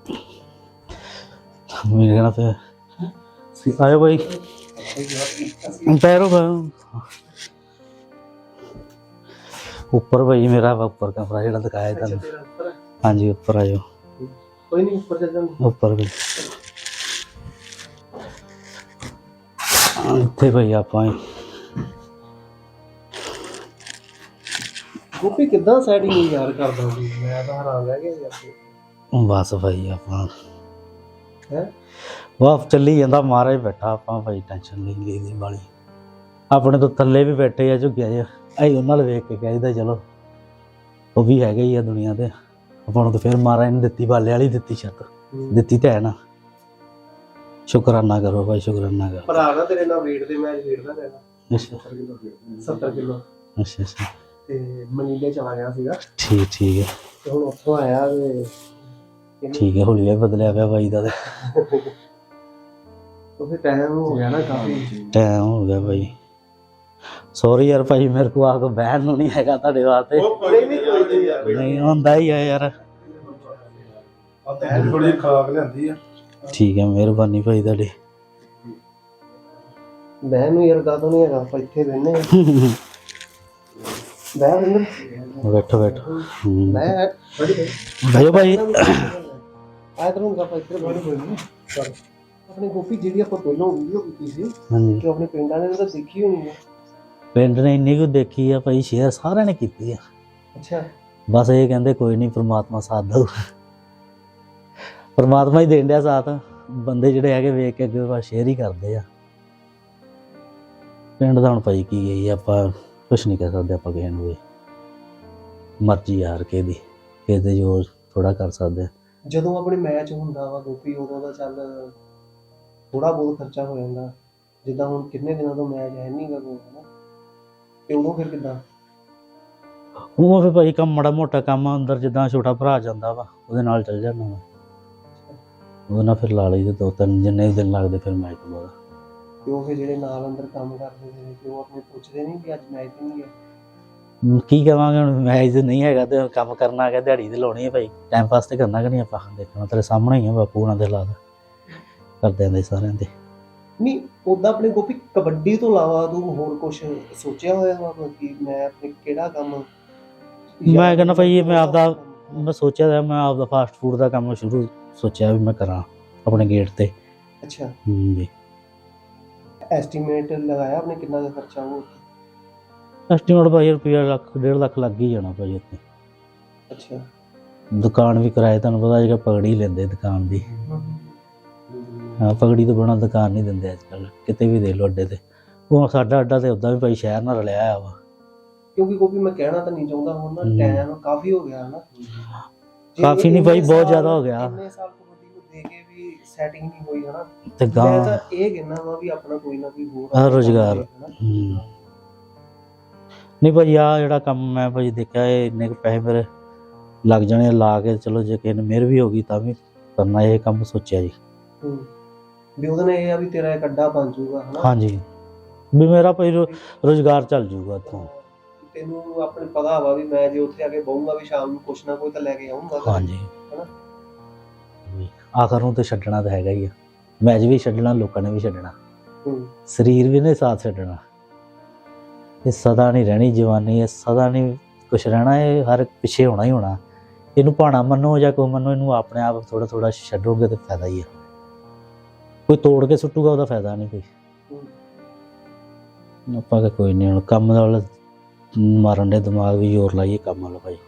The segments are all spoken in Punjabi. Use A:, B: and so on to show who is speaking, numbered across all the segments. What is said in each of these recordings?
A: मेरे कहना पे आयो भाई पैरों पर ऊपर भाई मेरा ऊपर कमरा जो दिखाया था। हाँ जी ऊपर आयो
B: कोई नहीं ऊपर चल जाऊंगा
A: ऊपर भी इतने भाई आप
B: ਗੋਪੀ ਕਿੱਦਾਂ ਸੈਟਿੰਗ ਯਾਰ ਕਰਦਾ ਸੀ ਮੈਂ ਤਾਂ ਹੈਰਾਨ ਰਹਿ ਗਿਆ ਯਾਰ
A: बस भाई आप
B: ਹੈ
A: वाह चली जाता महाराज बैठा आप भाई टेंशन नहीं ली वाली अपने तो थले भी बैठे आ झुग्गिया ज अं उन्होंने वेख के कहता चलो वो भी है ही है दुनिया ते ਆਪਾਂ ਨੂੰ तो फिर महाराज ने दिती बाले वाली दिती छत दिती तो है ना शुकराना करो भाई शुकराना करो
B: ਭਰਾ ਨਾ ਤੇਰੇ ਨਾਲ ਵੇਟ ਦੇ ਮੈਚ ਖੇਡਦਾ ਰਹਿਣਾ
A: अच्छा
B: 70 ਕਿਲੋ
A: अच्छा अच्छा
B: ਤੇ ਮਨੀਲੇ ਚਲਾ ਗਿਆ ਸੀਗਾ
A: ठीक है
B: ਤੇ ਹੁਣ ਉੱਥੋਂ ਆਇਆ ਤੇ
A: ठीक है हौली बदलिया पे भाई का
B: तो फिर टाइम हो गया ना काफी
A: टाइम हो गया भाई सॉरी यार भाई मेरे को आके बहन नहीं हैगा ਤੁਹਾਡੇ ਵਾਸਤੇ नहीं ਹੁੰਦਾ ही है यार
B: थोड़ी खराब लियांदी है
A: ठीक है मेहरबानी भाई ਤੁਹਾਡੀ
B: बहन ਨੂੰ ਯਾਰ ਕਾਹਤੋਂ ਨਹੀਂ ਹੈਗਾ ਆਪਾਂ ਇੱਥੇ ਬੈਠਨੇ ਆ ਬਹਿ ਬਿੰਦਰ
A: बैठो बैठो
B: ਮੈਂ ਬੜੀ
A: भाई भाई
B: ਆਇਆ ਕਰੂੰਗਾ ਆਪਾਂ ਇੱਥੇ ਬੜੀ ਹੋਈ ਚਲ ਆਪਣੇ ਗੋਪੀ ਜਿਹੜੀ ਆਪਾਂ ਪਹਿਲਾਂ ਵੀਡੀਓ ਕੀਤੀ ਸੀ
A: हाँ जी
B: ਕਿ ਆਪਣੇ ਪਿੰਡਾਂ ਨੇ ਤਾਂ ਦੇਖੀ ਹੋਣੀ ਹੈ
A: ਪਿੰਡ ਨੇ ਇੰਨੀ ਕੁ ਦੇਖੀ ਆ ਭਾਈ ਸ਼ੇਅਰ ਸਾਰਿਆਂ ਨੇ ਕੀਤੀ ਆ
B: ਅੱਛਾ
A: ਬਸ ਇਹ ਕਹਿੰਦੇ ਕੋਈ ਨਹੀਂ ਪ੍ਰਮਾਤਮਾ ਸਾਥ ਦਊ ਪ੍ਰਮਾਤਮਾ ਹੀ ਦੇਣ ਡਿਆ ਸਾਥ ਬੰਦੇ ਜਿਹੜੇ ਹੈਗੇ ਵੇਖ ਕੇ ਅੱਗੇ ਬਸ ਸ਼ੇਅਰ ਹੀ ਕਰਦੇ ਆ ਪਿੰਡ ਦਾ ਹੁਣ ਭਾਈ ਕੀ ਗਈ ਆਪਾਂ ਕੁਛ ਨਹੀਂ ਕਹਿ ਸਕਦੇ ਆਪਾਂ ਕਿਸੇ ਨੂੰ ਵੀ ਮਰਜ਼ੀ ਯਾਰ ਕਿਸੇ ਦੇ ਜੋ ਥੋੜਾ ਕਰ ਸਕਦੇ ਆ
B: ਜਦੋਂ ਆਪਣੇ ਮੈਚ ਹੁੰਦਾ ਵਾ ਗੋਪੀ ਉਦੋਂ ਦਾ ਚੱਲ ਥੋੜਾ ਬਹੁਤ ਖਰਚਾ ਹੋ ਜਾਂਦਾ ਜਿੱਦਾਂ ਹੁਣ ਕਿੰਨੇ ਦਿਨਾਂ ਤੋਂ ਮੈਚ ਹੈ ਨਹੀਂ ਗਾ ਕੋਲ ਹਨਾ ਤੇ ਉਦੋਂ ਫਿਰ ਕਿੱਦਾਂ
A: ਉਹ ਫਿਰ ਭਾਈ ਕੰਮ ਮਾੜਾ ਮੋਟਾ ਕੰਮ ਅੰਦਰ ਜਿੱਦਾਂ ਛੋਟਾ ਭਰਾ ਜਾਂਦਾ ਵਾ ਉਹਦੇ ਨਾਲ ਚੱਲ ਜਾਂਦਾ ਮੈਂ ਉਹਦੇ ਨਾਲ ਫਿਰ ਲਾ ਲਈ ਤੇ 2-3 ਜਿੰਨੇ ਦਿਨ ਲੱਗਦੇ ਫਿਰ ਮੈਚ ਤੋਂ ਬਾਅਦ
B: ਤੇ ਉਹ ਫਿਰ ਜਿਹੜੇ ਨਾਲ ਅੰਦਰ ਕੰਮ ਕਰਦੇ ਨੇ ਤੇ ਉਹ ਆਪਣੇ ਪੁੱਛਦੇ ਨਹੀਂ ਕਿ ਅੱਜ ਮੈਚ ਨਹੀਂ ਹੈ
A: ਕੀ ਕਹਾਂਗੇ ਹੁਣ ਮੈਚ ਨਹੀਂ ਹੈਗਾ ਤੇ ਕੰਮ ਕਰਨਾ ਹੈਗਾ ਦਿਹਾੜੀ ਤੇ ਲਾਉਣੀ ਹੈ ਭਾਈ ਟਾਈਮ ਪਾਸ ਤੇ ਕਰਨਾ ਕਿ ਨਹੀਂ ਆਪਾਂ ਦੇਖਣਾ ਤੇਰੇ ਸਾਹਮਣੇ ਹੀ ਆ ਬਾਪੂ ਉਹਨਾਂ ਦੇ ਹਾਲਾਤ ਕਰਦੇ ਆਂਦੇ ਸਾਰਿਆਂ ਦੇ
B: ਨਹੀਂ ਉਦਾਂ ਆਪਣੇ ਗੋਪੀ ਕਬੱਡੀ ਤੋਂ ਇਲਾਵਾ ਤੂੰ ਹੋਰ ਕੁਝ ਸੋਚਿਆ ਹੋਇਆ ਵਾ ਕਿ ਮੈਂ ਆਪਣੇ ਕਿਹੜਾ ਕੰਮ
A: ਮੈਂ ਕਹਿੰਦਾ ਭਾਈ ਮੈਂ ਆਪਦਾ ਮੈਂ ਸੋਚਿਆ ਤਾਂ ਮੈਂ ਆਪਦਾ ਫਾਸਟ ਫੂਡ ਦਾ ਕੰਮ ਸ਼ੁਰੂ ਸੋਚਿਆ ਵੀ ਮੈਂ ਕਰਾਂ ਆਪਣੇ ਗੇਟ ਤੇ
B: ਅੱਛਾ
A: ਜੀ
B: ਐਸਟੀਮੇਟ ਲਗਾਇਆ ਆਪਣੇ ਕਿੰਨਾ ਦਾ ਖਰਚਾ ਹੋ
A: ਐਸਟੀਮੇਟ ਭਾਈ ਰੁਪਈਆ ਲੱਖ 1.5 ਲੱਖ ਲੱਗ ਹੀ ਜਾਣਾ ਭਾਈ ਉੱਥੇ
B: ਅੱਛਾ
A: ਦੁਕਾਨ ਵੀ ਕਿਰਾਏ ਤੁਹਾਨੂੰ ਪਤਾ ਅੱਜ ਕੱਲ੍ਹ ਪਗੜੀ ਲੈਂਦੇ ਦੁਕਾਨ ਦੀ ਹਾਂ ਪਗੜੀ ਤੋਂ ਬਿਨਾਂ ਦੁਕਾਨ ਨਹੀਂ ਦਿੰਦੇ ਅੱਜ ਕੱਲ੍ਹ ਕਿਤੇ ਵੀ ਦੇ ਲਓ ਅੱਡੇ ਤੇ ਉਹ ਸਾਡਾ ਅੱਡਾ ਤੇ ਉੱਦਾਂ ਵੀ ਭਾਈ ਸ਼ਹਿਰ ਨਾਲ ਰਲਿਆ ਹੋਇਆ ਵਾ
B: ਕਿਉਂਕਿ ਕੋਈ ਮੈਂ ਕਹਿਣਾ ਤਾਂ ਨਹੀਂ ਚਾਹੁੰਦਾ ਹੁਣ ਨਾ ਟਾਈਮ ਕਾਫੀ ਹੋ ਗਿਆ ਨਾ
A: ਕਾਫੀ ਨਹੀਂ ਭਾਈ ਬਹੁਤ ਜ਼ਿਆਦਾ ਹੋ ਗਿਆ
B: ਇੰਨੇ ਸਾਲ ਕਬੱਡੀ ਨੂੰ ਦੇ ਕੇ ਵੀ ਸੈਟਿੰਗ ਨਹੀਂ ਹੋਈ ਹਨਾ
A: ਤੇ
B: ਮੈਂ
A: ਗਾਂ
B: ਤਾਂ ਇਹ ਕਹਿਣਾ ਵਾ ਵੀ ਆਪਣਾ ਕੋਈ ਨਾ ਕੋਈ ਹੋਰ
A: ਰੁਜ਼ਗਾਰ ਨਹੀਂ ਭਾਈ ਆ ਜਿਹੜਾ ਕੰਮ ਮੈਂ ਭਾਈ ਦੇਖਿਆ ਇਹ ਇੰਨੇ ਕੁ ਪੈਸੇ ਮੇਰੇ ਲੱਗ ਜਾਣੇ ਲਾ ਕੇ ਚਲੋ ਜੇ ਕਿਸੇ ਨੇ ਮਿਹਰ ਵੀ ਹੋ ਗਈ ਤਾਂ ਵੀ ਕਰਨਾ ਇਹ ਕੰਮ ਸੋਚਿਆ ਜੀ
B: ਵੀ ਉਹਦੇ ਨਾਲ ਇਹ ਆ ਵੀ ਤੇਰਾ ਇੱਕ ਅੱਡਾ ਬਣ ਜਾਊਗਾ ਹਨਾ
A: ਹਾਂਜੀ ਵੀ ਮੇਰਾ ਭਾਈ ਰੁਜ਼ਗਾਰ ਚੱਲ ਜਾਊਗਾ ਇੱਥੋਂ
B: ਤੈਨੂੰ ਆਪਣੇ ਪਤਾ ਵਾ ਵੀ ਮੈਂ ਜੇ ਉੱਥੇ ਆ ਕੇ ਬਹੂੰਗਾ ਵੀ ਸ਼ਾਮ ਨੂੰ ਕੁਛ ਨਾ ਕੋਈ ਤਾਂ ਲੈ ਕੇ ਆਉਂਗਾ
A: ਹਾਂਜੀ
B: ਹਨਾ
A: ਆਖਰ ਨੂੰ ਤੇ ਛੱਡਣਾ ਤਾਂ ਹੈਗਾ ਹੀ ਆ ਮੈਚ ਵੀ ਛੱਡਣਾ ਲੋਕਾਂ ਨੇ ਵੀ ਛੱਡਣਾ ਸਰੀਰ ਵੀ ਨੇ ਸਾਥ ਛੱਡਣਾ ਇਹ ਸਦਾ ਨਹੀਂ ਰਹਿਣੀ ਜਵਾਨੀ ਇਹ ਸਦਾ ਨਹੀਂ ਕੁਛ ਰਹਿਣਾ ਇਹ ਹਰ ਪਿੱਛੇ ਹੋਣਾ ਹੀ ਹੋਣਾ ਇਹਨੂੰ ਭਾਣਾ ਮੰਨੋ ਜਾਂ ਕੋਈ ਮੰਨੋ ਇਹਨੂੰ ਆਪਣੇ ਆਪ ਥੋੜਾ ਥੋੜਾ ਛੱਡੋਗੇ ਤੇ ਫਾਇਦਾ ਹੀ ਆ ਕੋਈ ਤੋੜ ਕੇ ਸੁੱਟੂਗਾ ਉਹਦਾ ਫਾਇਦਾ ਨਹੀਂ ਕੋਈ ਆਪਾਂ ਕੋਈ ਨਹੀਂ ਹੁਣ ਕੰਮ ਨਾਲ ਮਾਰਨ ਦੇ ਦਿਮਾਗ ਵੀ ਜ਼ੋਰ ਲਾਈਏ ਕੰਮ ਵਾਲਾ ਭਾਈ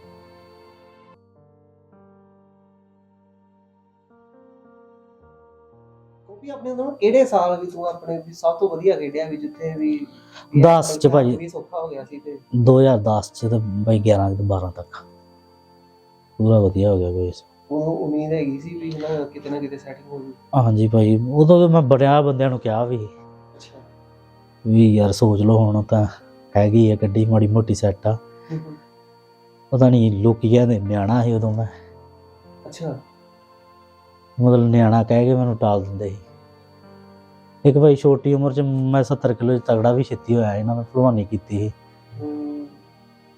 B: ਕਿਉਂਕਿ ਆਪਣੇ ਤੋਂ ਕਿਹੜੇ ਸਾਲ ਵੀ ਤੂੰ ਆਪਣੇ ਵੀ ਸਭ ਤੋਂ ਵਧੀਆ ਖੇਡਿਆ ਵੀ ਜਿੱਥੇ ਵੀ
A: 10 ਚ ਭਾਈ
B: ਵੀ ਸੌਖਾ ਹੋ ਗਿਆ ਸੀ ਤੇ
A: 2010 ਚ ਤੇ ਭਾਈ 11 ਤੋਂ 12 ਤੱਕ ਪੂਰਾ ਵਧੀਆ ਹੋ ਗਿਆ ਕੋਈ
B: ਉਹ ਉਮੀਦ ਹੈਗੀ ਸੀ ਵੀ ਕਿਤੇ ਨਾ ਕਿਤੇ ਸੈਟਿੰਗ ਹੋ ਜੂ
A: ਹਾਂਜੀ ਭਾਈ ਉਦੋਂ ਮੈਂ ਬੜਿਆ ਬੰਦਿਆਂ ਨੂੰ ਕਿਹਾ ਵੀ
B: ਅੱਛਾ
A: ਵੀ ਯਾਰ ਸੋਚ ਲਓ ਹੁਣ ਤਾਂ ਹੈਗੀ ਆ ਗੱਡੀ ਮਾੜੀ ਮੋਟੀ ਸੈੱਟ ਆ ਪਤਾ ਨਹੀਂ ਲੋਕੀ ਕਹਿੰਦੇ ਨਿਆਣਾ ਸੀ ਉਦੋਂ ਮੈਂ
B: ਅੱਛਾ
A: ਮਤਲਬ ਨਿਆਣਾ ਕਹਿ ਕੇ ਮੈਨੂੰ ਟਾਲ ਦਿੰਦੇ ਸੀ ਇੱਕ ਭਾਈ ਛੋਟੀ ਉਮਰ 'ਚ ਮੈਂ 70 ਕਿਲੋ 'ਚ ਤਗੜਾ ਵੀ ਛੇਤੀ ਹੋਇਆ ਇਹਨਾਂ ਮੈਂ ਭਲਵਾਨੀ ਕੀਤੀ ਸੀ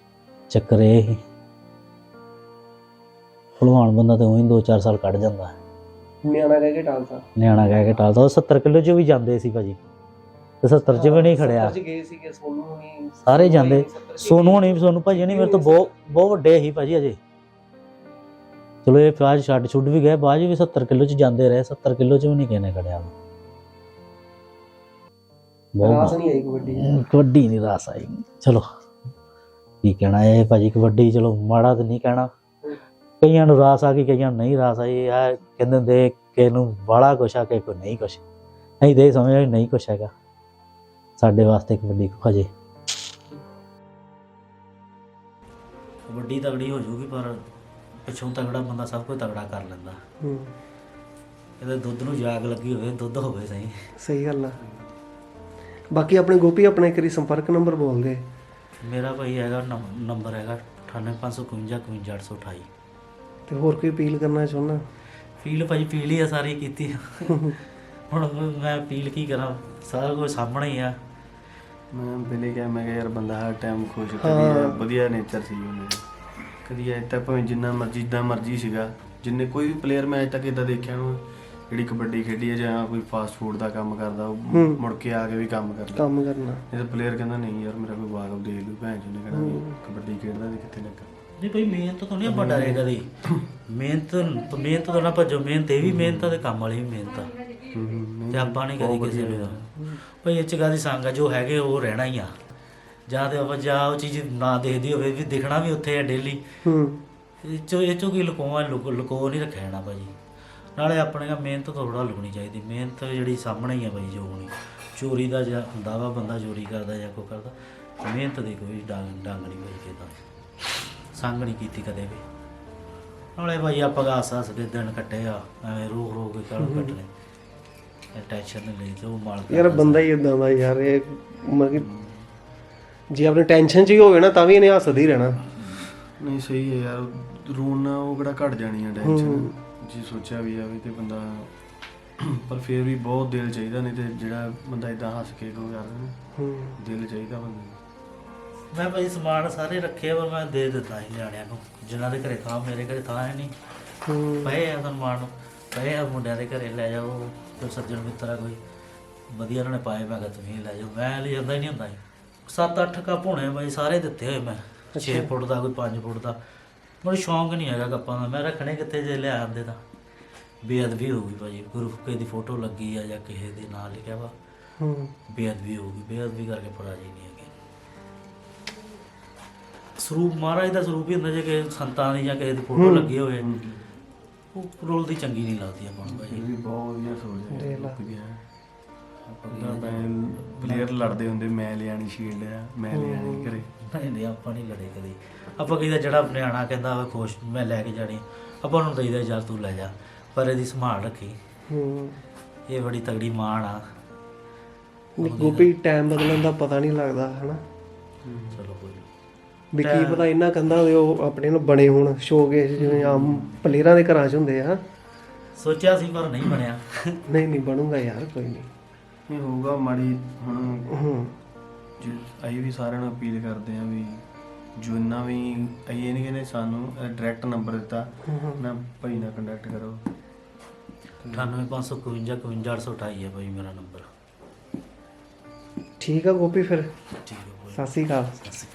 A: ਚੱਕਰ ਇਹ ਸੀ ਭਲਵਾਨ ਬੰਦਾ ਤੇ ਉਹੀ 2-4 ਸਾਲ ਕੱਢ ਜਾਂਦਾ
B: ਨਿਆਣਾ ਕਹਿ ਕੇ ਟਾਲਤਾ।
A: ਨਿਆਣਾ ਕਹਿ ਕੇ ਟਾਲਦਾ। ਉਹ 70 ਕਿਲੋ 'ਚ ਵੀ ਜਾਂਦੇ ਸੀ ਭਾਜੀ, ਤੇ 70 'ਚ ਵੀ ਨਹੀਂ ਖੜਿਆ।
B: 70 'ਚ ਗਏ ਸੀਗੇ ਸੋਨੂ ਹੋਣੀ,
A: ਸਾਰੇ ਜਾਂਦੇ।
B: 70 'ਚ
A: ਸੋਨੂ ਹੋਣੀ, ਸੋਨੂ ਭਾਜੀ ਨਹੀਂ, ਮੇਰੇ ਤੋਂ ਬਹੁਤ ਵੱਡੇ ਸੀ ਭਾਜੀ ਅਜੇ। ਚਲੋ ਇਹ ਬਾਅਦ ਛੱਡ ਛੁੱਡ ਵੀ ਗਏ, ਬਾਅਦ 'ਚ ਵੀ 70 ਕਿਲੋ 'ਚ ਜਾਂਦੇ ਰਹੇ। 70 ਕਿਲੋ 'ਚ ਵੀ ਨਹੀਂ ਕਿਸੇ ਨੇ ਖੜਿਆ।
B: ਰਾਸ ਨਹੀਂ ਆਈ ਕਬੱਡੀ।
A: ਕਬੱਡੀ ਨਹੀਂ ਰਾਸ ਆਈ। ਚਲੋ ਕੀ ਕਹਿਣਾ ਇਹ ਭਾਜੀ, ਕਬੱਡੀ ਚਲੋ ਮਾੜਾ ਤਾਂ ਨਹੀਂ ਕਹਿਣਾ। ਕਈਆਂ ਨੂੰ ਰਾਸ ਆ ਗਈ, ਕਈਆਂ ਨੂੰ ਨਹੀਂ ਰਾਸ ਆਈ। ਆ ਕਹਿੰਦੇ ਹੁੰਦੇ ਕਿਸੇ ਨੂੰ ਬਾਹਲਾ ਕੁਛ ਆ, ਕਿਸੇ ਕੋਲ ਨਹੀਂ ਕੁਛ। ਅਸੀਂ ਤਾਂ ਇਹ ਸਮਝਦੇ ਨਹੀਂ ਕੁਛ ਹੈਗਾ ਸਾਡੇ ਵਾਸਤੇ ਕਬੱਡੀ ਹਜੇ। ਕਬੱਡੀ ਤਗੜੀ ਹੋ ਜੂਗੀ, ਪਰ ਪਿੱਛੋਂ ਤਗੜਾ ਬੰਦਾ ਸਭ ਕੁਝ ਤਗੜਾ ਕਰ ਲੈਂਦਾ। ਇਹਦੇ ਦੁੱਧ ਨੂੰ ਜਾਗ ਲੱਗੀ ਹੋਵੇ, ਦੁੱਧ ਹੋਵੇ ਸਹੀ।
B: ਸਹੀ ਗੱਲ ਆ। ਬਾਕੀ ਆਪਣੇ ਗੋਪੀ ਆਪਣਾ ਇੱਕ ਵਾਰੀ ਸੰਪਰਕ ਨੰਬਰ ਬੋਲ ਦੇ।
A: ਮੇਰਾ ਭਾਈ ਹੈਗਾ ਨੰਬਰ ਹੈਗਾ 9855 51828।
B: ਤੇ ਹੋਰ ਕੋਈ ਅਪੀਲ ਕਰਨਾ ਚਾਹੁੰਦਾ?
A: ਫੀਲ ਭਾਈ ਫੀਲ ਹੀ ਆ, ਸਾਰੀ ਕੀਤੀ। ਹੁਣ ਮੈਂ ਅਪੀਲ ਕੀ ਕਰਾਂ, ਸਾਰਾ ਕੁਝ ਸਾਹਮਣੇ ਹੀ ਆ।
C: ਮੈਂ ਪਹਿਲੇ ਕਿਹਾ, ਮੈਂ ਕਿਹਾ ਯਾਰ ਬੰਦਾ ਹਰ ਟਾਈਮ ਖੁਸ਼, ਕਦੀ ਵਧੀਆ ਨੇਚਰ ਸੀ ਉਹਨੇ, ਕਦੀ ਅੱਜ ਤੱਕ ਭਾਵੇਂ ਜਿੰਨਾ ਮਰਜ਼ੀ ਜਿੱਦਾਂ ਮਰਜ਼ੀ ਸੀਗਾ। ਜਿੰਨੇ ਕੋਈ ਵੀ ਪਲੇਅਰ ਮੈਂ ਅੱਜ ਤੱਕ ਇੱਦਾਂ ਦੇਖਿਆ ਨੂੰ ਜਿਹੜੀ ਕਬੱਡੀ ਖੇਡੀ ਹੈ ਜਾਂ ਕੋਈ ਫਾਸਟ ਫੂਡ ਦਾ ਕੰਮ ਕਰਦਾ, ਉਹ ਮੁੜ ਕੇ ਆ ਕੇ ਵੀ ਕੰਮ ਕਰਨਾ। ਇਹ ਤਾਂ ਪਲੇਅਰ ਕਹਿੰਦਾ ਨਹੀਂ ਯਾਰ ਮੇਰਾ ਕੋਈ ਵਾਕਫ ਦੇਖ ਲੂ, ਭੈਣ ਜੀ ਨੇ ਕਹਿਣਾ ਵੀ ਕਬੱਡੀ ਖੇਡਦਾ ਤੇ ਕਿੱਥੇ ਲੱਗਾ। ਨਹੀਂ ਭਾਈ ਮਿਹਨਤ ਤੋਂ ਨਹੀਂ ਆਪਾਂ ਡਰੇ ਕਦੇ। ਮਿਹਨਤ ਤੋਂ ਨਾ ਭੱਜੋ। ਮਿਹਨਤ ਇਹ ਵੀ ਮਿਹਨਤ ਆ ਤੇ ਕੰਮ ਵਾਲੀ ਵੀ ਮਿਹਨਤ ਆ। ਤੇ ਆਪਾਂ ਨਹੀਂ ਕਦੀ ਕਿਸੇ ਨੂੰ ਭਾਈ ਇਹ 'ਚ ਕਾਹਦੀ ਸੰਗ ਆ, ਜੋ ਹੈਗੇ ਉਹ ਰਹਿਣਾ ਹੀ ਆ। ਜਾਂ ਤੇ ਆਪਾਂ ਜਾਂ ਉਹ ਚੀਜ਼ ਨਾ ਦੇਖਦੀ ਹੋਵੇ ਵੀ ਦਿਖਣਾ ਵੀ ਉੱਥੇ ਆ ਡੇਲੀ। ਇਹ 'ਚੋਂ ਕੀ ਲੁਕੋ ਨਹੀਂ ਰੱਖਿਆ ਜਾਣਾ ਭਾਜੀ। ਨਾਲੇ ਆਪਣੇ ਮਿਹਨਤ ਥੋੜ੍ਹਾ ਲੁਕਣੀ ਚਾਹੀਦੀ। ਮਿਹਨਤ ਜਿਹੜੀ ਸਾਹਮਣੇ ਹੀ ਆ ਭਾਈ, ਜੋ ਹੋਣੀ। ਚੋਰੀ ਦਾ ਜਾਂ ਹੁੰਦਾ ਵਾ ਬੰਦਾ ਚੋਰੀ ਕਰਦਾ ਜਾਂ ਕੋਈ ਕਰਦਾ, ਮਿਹਨਤ ਦੀ ਕੋਈ ਡੰਗ ਨਹੀਂ ਭਾਈ ਕਿਦਾ ਸੰਗ ਨਹੀਂ ਕੀਤੀ ਕਦੇ ਵੀ। ਨਾਲੇ ਭਾਈ ਆਪਾਂ ਹੱਸ ਹੱਸ ਕੇ ਦਿਨ ਕੱਟੇ ਆ, ਐਵੇਂ ਰੋ ਕੇ ਕੱਲ ਕੱਟਣੇ। ਟੈਨਸ਼ਨ ਨਹੀਂ ਲਈ ਤੇ ਉਹ ਮਾਲਕ
B: ਯਾਰ ਬੰਦਾ ਹੀ ਇਦਾਂ ਦਾ ਯਾਰ। ਇਹ ਮਤਲਬ ਕਿ ਜੇ ਆਪਣੇ ਟੈਨਸ਼ਨ 'ਚ ਹੀ ਹੋਵੇ ਨਾ ਤਾਂ ਵੀ ਇਹਨੇ ਹੱਸਦਾ ਹੀ ਰਹਿਣਾ।
C: ਨਹੀਂ ਸਹੀ ਹੈ ਯਾਰ, ਰੋਣ ਨਾਲ ਉਹ ਕਿਹੜਾ ਘਟ ਜਾਣੀ ਆ ਟੈਨਸ਼ਨ। ਜੇ ਸੋਚਿਆ ਵੀ ਆਵੇ ਤੇ ਬੰਦਾ, ਪਰ ਫਿਰ ਵੀ ਬਹੁਤ ਦਿਲ ਚਾਹੀਦਾ। ਨਹੀਂ ਤੇ ਜਿਹੜਾ ਬੰਦਾ ਇਦਾਂ ਹੱਸ ਕੇ ਕੋ ਕਰਦਾ, ਦਿਲ ਚਾਹੀਦਾ ਬੰਦੇ ਨੂੰ।
A: ਮੈਂ ਭਾਈ ਸਮਾਨ ਸਾਰੇ ਰੱਖੇ, ਪਰ ਮੈਂ ਦੇ ਦਿੱਤਾ ਸੀ ਨਿਆਣਿਆਂ ਨੂੰ, ਜਿਨ੍ਹਾਂ ਦੇ ਘਰੇ ਥਾਂ, ਮੇਰੇ ਘਰੇ ਥਾਂ ਹੈ ਨਹੀਂ। ਪਏ ਆ ਸਨਮਾਨ ਨੂੰ, ਪਏ ਆ ਮੁੰਡਿਆਂ ਦੇ ਘਰੇ, ਲੈ ਜਾਓ। ਕੋਈ ਸੱਜਣ ਮਿੱਤਰ ਆ ਕੋਈ ਵਧੀਆ ਉਹਨਾਂ ਨੇ ਪਾਏ, ਮੈਂ ਕਿਹਾ ਤੁਸੀਂ ਲੈ ਜਾਓ। ਮੈਂ ਲੈ ਜਾਂਦਾ ਹੀ ਨਹੀਂ ਹੁੰਦਾ। 7-8 ਕੱਪ ਹੋਣੇ ਭਾਈ, ਸਾਰੇ ਦਿੱਤੇ ਹੋਏ ਮੈਂ। 6 ਫੁੱਟ ਦਾ, ਕੋਈ 5 ਫੁੱਟ ਦਾ। ਮੈਨੂੰ ਸ਼ੌਂਕ ਨਹੀਂ ਹੈਗਾ ਕੱਪਾਂ ਦਾ। ਮੈਂ ਰੱਖਣੇ ਕਿੱਥੇ ਜੇ ਲਿਆ ਆਉਂਦੇ ਤਾਂ ਬੇਅਦਬੀ ਹੋ ਗਈ ਭਾਜੀ। ਗੁਰੂ ਕਿਸੇ ਦੀ ਫੋਟੋ ਲੱਗੀ ਆ ਜਾਂ ਕਿਸੇ ਦੇ ਨਾਂ ਲਿਖਿਆ ਵਾ, ਬੇਅਦਬੀ ਹੋ ਗਈ। ਬੇਅਦਬੀ ਕਰਕੇ ਪੜਾ ਜੀ ਨਹੀਂ ਹੈਗੇ। ਸਰੂਪ ਮਹਾਰਾਜ ਦਾ ਸਰੂਪ ਹੀ ਹੁੰਦਾ। ਜੇ ਕਿਸੇ ਸੰਤਾਂ ਦੀ ਜਾਂ ਕਿਸੇ ਦੀ ਫੋਟੋ ਲੱਗੀ ਹੋਵੇ, ਉਹ ਰੋਲ ਦੀ ਚੰਗੀ ਨਹੀਂ ਲੱਗਦੀ ਆਪਾਂ ਨੂੰ ਭਾਜੀ।
C: ਬਹੁਤ ਵਧੀਆ ਸੋਚ ਹੈ। ਪਲੇਅਰ ਲੜਦੇ ਹੁੰਦੇ, ਮੈਂ ਲਿਆਣੀ ਸ਼ੀਲਡ ਆ, ਮੈਂ ਲਿਆਣੀ ਘਰੇ।
A: ਨਹੀਂ ਆਪਾਂ ਨਹੀਂ ਲੜੇ ਕਦੇ। ਆਪਾਂ ਕਹਿੰਦਾ ਜਿਹੜਾ ਨਿਆਣਾ ਕਹਿੰਦਾ ਵਾ ਖੁਸ਼, ਮੈਂ ਲੈ ਕੇ ਜਾਣੀ, ਆਪਾਂ ਉਹਨੂੰ ਦਈਦਾ ਯਾਰ ਤੂੰ ਲੈ ਜਾ, ਪਰ ਇਹਦੀ ਸੰਭਾਲ ਰੱਖੀ। ਇਹ ਬੜੀ ਤਗੜੀ ਮਾਣ ਆ।
B: ਗੋਪੀ ਟਾਈਮ ਬਦਲਣ ਦਾ ਪਤਾ ਨਹੀਂ ਲੱਗਦਾ ਹਨਾ।
A: ਚਲੋ ਕੋਈ
B: ਵੀ ਕੀ ਪਤਾ ਇਹਨਾਂ ਕੰਧਾਂ ਦੇ ਉਹ ਆਪਣੇ ਨੂੰ ਬਣੇ ਹੋਣ ਸ਼ੋਕੇਸ, ਜਿਵੇਂ ਆਮ ਪਲੇਅਰਾਂ ਦੇ ਘਰਾਂ 'ਚ ਹੁੰਦੇ ਆ।
A: ਸੋਚਿਆ ਸੀ ਪਰ ਨਹੀਂ ਬਣਿਆ।
B: ਨਹੀਂ ਬਣੂਗਾ ਯਾਰ, ਕੋਈ ਨਹੀਂ।
C: ਇਹ ਹੋਊਗਾ ਮਾੜੀ। ਹੁਣ ਅਸੀਂ ਵੀ ਸਾਰਿਆਂ ਨੂੰ ਅਪੀਲ ਕਰਦੇ ਹਾਂ ਵੀ ਜਿੰਨਾ ਵੀ ਅਸੀਂ ਨਹੀਂ ਕਹਿੰਦੇ, ਸਾਨੂੰ ਡਾਇਰੈਕਟ ਨੰਬਰ ਦਿੱਤਾ ਨਾ ਭਾਈ ਨਾਲ ਕੰਟੈਕਟ ਕਰੋ।
A: 9855 51828 ਹੈ ਭਾਈ ਮੇਰਾ ਨੰਬਰ।
B: ਠੀਕ ਆ ਗੋਪੀ, ਫਿਰ
A: ਠੀਕ ਹੈ।
B: ਸਤਿ ਸ਼੍ਰੀ ਅਕਾਲ।